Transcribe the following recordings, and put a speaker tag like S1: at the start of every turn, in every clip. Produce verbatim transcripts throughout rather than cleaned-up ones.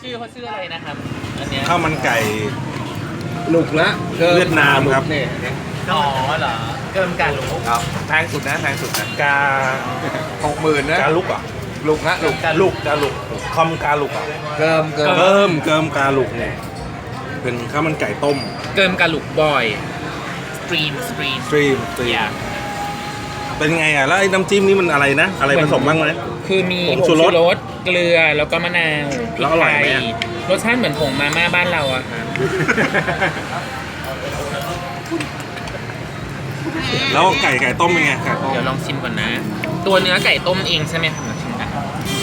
S1: ชื่อเขาชื่ออะไรนะครับอันเนี้ย
S2: ข้าวมันไก่
S3: หนุกนะ
S2: เวียดนามครับ
S3: เนี่ย
S1: อ๋อเหรอเกิมการรู้
S3: ครับแพงสุดนะแพงสุดนะ
S2: กา
S3: หกหมื่นนะ
S2: กาลุกอ่ะ
S3: ลุกนะลุก
S2: ลุกกาลุกคอมกาลุกอ่ะ
S3: เกิมเกิม
S2: เกิมเกิมกาลุกเนี่ยเป็นข้าวมันไก่ต้ม
S1: เกิมการลุกบ่อยสตรีมสตรีม
S2: สตรีมสตรีม
S1: อยาก
S2: เป็นไงอ่ะแล้วไอ้น้ำจิ้มนี่มันอะไรนะ อะไรผสมบ้างไหม
S1: คือมี
S2: ผงชูรส
S1: เกลือแล้วก็มะนาวพริ
S2: แล้ว
S1: ก
S2: อร่อย
S1: ไท
S2: ไหม
S1: ย
S2: อะ
S1: รสชาติเหมือนผงมาม่าบ้านเราอะค่ะ
S2: แล้วไก่ไก่ต้มเป็นไงไก่ต้ม
S1: เดี๋ยวลองชิมก่อนนะ ตัวเนื้อไก่ต้มเองใช่ไหมครับลองชิมกัน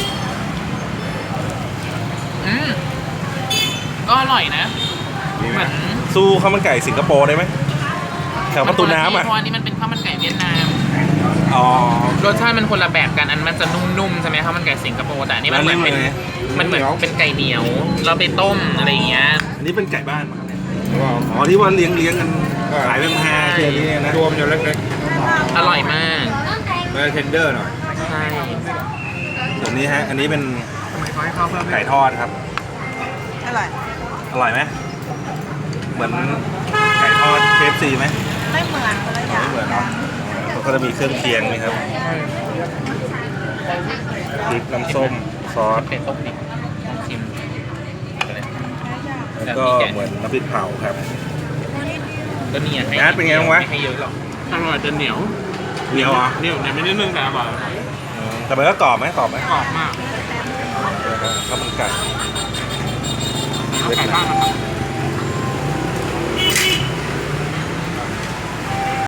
S1: อืมก็อร่อยนะเหมือน
S2: สู้ข้าวมันไก่สิงคโปร์ได้ไหมแถวประตูน้ำอ่ะ
S1: เพราะอันนี้มันเป็นข้าวมันไก่เวียดนาม
S2: อ๋อ
S1: รสชาติมันคนละแบบกันอันมันจะนุ่มๆใช่ไหมข้าวมันไก่สิงคโปร์แต่อันนี้มันเหมือนเป็น
S2: แล้วนี่
S1: มันเหมือนเป็นไก่เหนียวเราไปต้มอะไรอย่างเงี้ย
S2: อันนี้เป็นไก่บ้านมาครับเนี่ยอ๋อที่ว่าเลี้ยงเลี้ยงกันขายเป็นแพงคืออันนี้นะ
S3: ตัวมันจะเล็ก
S1: อร่อยมาก
S3: ๆมันจะเทนเดอร์หน่อย
S1: ใช่
S2: ส่วนนี้ฮะ อันนี้เป็น
S3: ทำไมเขาให้ข้าวเพิ่ม
S2: ไก่ทอดครับ
S4: อร่อย
S2: อร่อยไหมเหมือนไก่ทอด เค เอฟ ซี ไหม
S4: ไม่เหมือนคนละอย่าง
S2: ไม่เหมือนเนาะเขาก็จะมีเครื่องเคียงนี่ครับพริกน้ำส้มซอส
S1: เป็นต้มดิบลองชิม
S2: แล้วก็เหมือนน้ำพริกเผาครับ
S1: ก็เนี่ยให้
S2: นัดเป็นไงบ้างวะ
S1: ไม่ให้เยอะหรอก
S5: อร่อยจะเหนียว
S2: เหนียวเหรอ
S5: เหนียวเนี่ยไม่ได้นึ่งแต่อร่อย
S2: อืมแต่มันก็กรอบไหมกรอบไหม
S5: กรอบมาก
S2: ข้าวมันไก่
S5: แล้วไก่บ้านมัน